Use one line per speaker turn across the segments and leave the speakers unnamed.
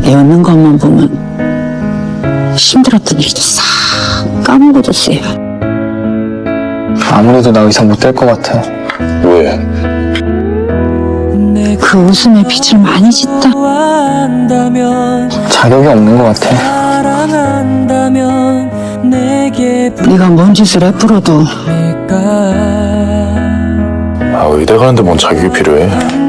웃는 것만 보면 힘들었던 일도 싹 까먹어졌어요.
아무래도 나 의사 못 될 것 같아.
왜?
그 웃음에 빛을 많이 짓다.
자격이 없는 것 같아.
네가 뭔 짓을 했더라도
아, 의대 가는데 뭔 자격이 필요해?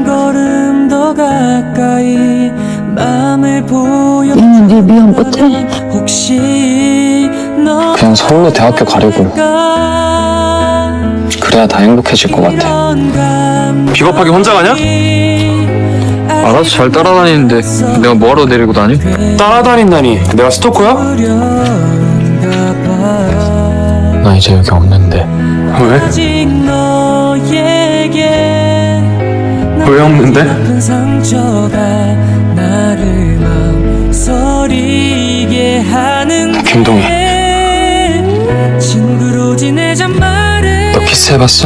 이미 네 미움 끝에
그냥 서울로 대학교 가려고. 그래야 다 행복해질 것 같아.
비겁하게 혼자 가냐?
알아서 잘 따라다니는데 내가 뭐하러 데리고 다니?
따라다닌다니 내가 스토커야?
나 이제 여기 없는데.
왜? 왜 없는데? 김동희, 너 키스해봤어?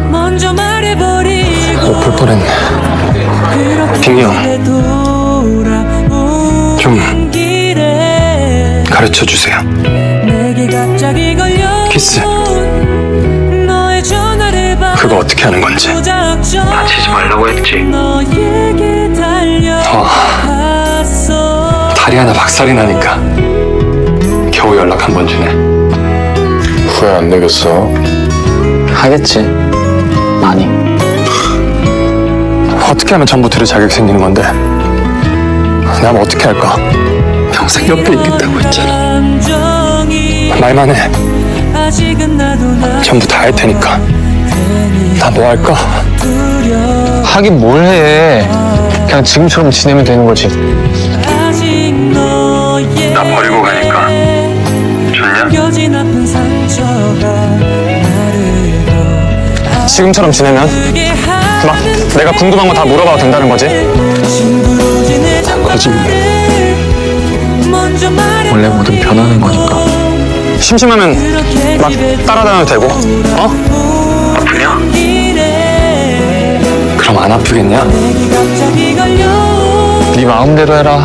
볼 뻔했네. 빅리 형, 좀 가르쳐주세요. 키스 그거 어떻게 하는 건지.
다치지 말라고 했지.
다리 하나 박살이 나니까 겨우 연락 한 번 주네.
후회 안 내겠어?
하겠지. 많이.
어떻게 하면 전부 들을 자격 생기는 건데? 난 어떻게 할까? 평생 옆에 있겠다고 했잖아. 말만 해. 전부 다 할 테니까. 나 뭐 할까?
하긴 뭘 해. 그냥 지금처럼 지내면 되는 거지.
나 버리고 가니까 좋냐? 지금처럼 지내면 막 내가 궁금한 거 다 물어봐도 된다는 거지? 거짓말.
원래 뭐든 변하는 거니까.
심심하면 막 따라다녀도 되고. 어? 아프냐? 그럼 안 아프겠냐?
네 마음대로 해라.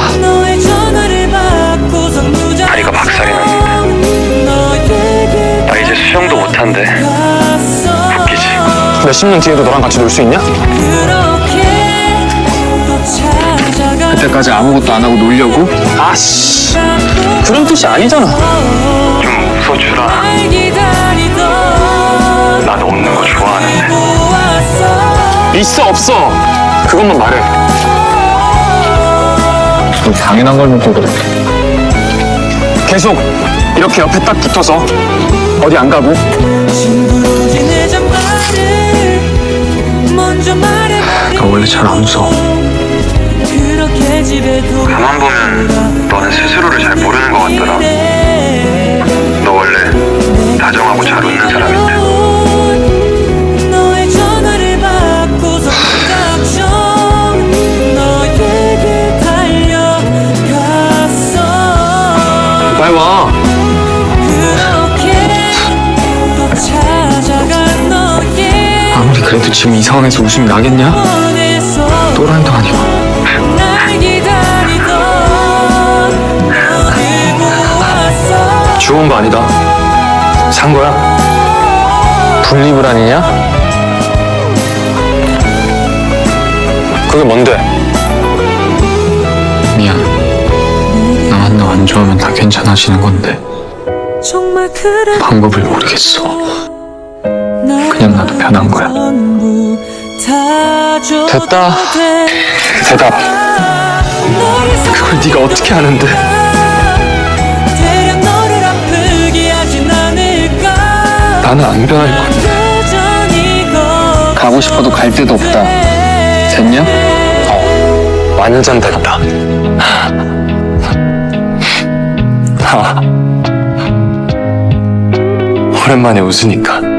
다리가 박살이 났는데 나 이제 수영도 못한대. 웃기지? 몇십 년 뒤에도 너랑 같이 놀 수 있냐?
그때까지 아무것도 안 하고 놀려고?
아씨, 그런 뜻이 아니잖아. 좀 웃어주라. 나도 웃는 거 좋아하는데. 있어 없어 그것만 말해.
너 당연한 걸 묻고 그래.
계속 이렇게 옆에 딱 붙어서 어디 안 가고.
나 원래 잘 안 웃어.
가만 보면 너는 스스로를 잘 모르는 것 같더라. 너 원래 다정하고 잘 웃는 사람인데. 빨리 와.
아무리 그래도 지금 이 상황에서 웃음이 나겠냐? 또라이도 아니고.
주운 거 아니다. 산 거야.
분리불 아니냐?
그게 뭔데?
미안. 나만 너 안 좋아하면 다 괜찮아지는 건데 방법을 모르겠어. 그냥 나도 변한 거야.
됐다. 대답. 그걸 네가 어떻게 하는데? 나는 안 변할 거야.
가고 싶어도 갈 데도 없다. 됐냐?
완전 됐다. 오랜만에 웃으니까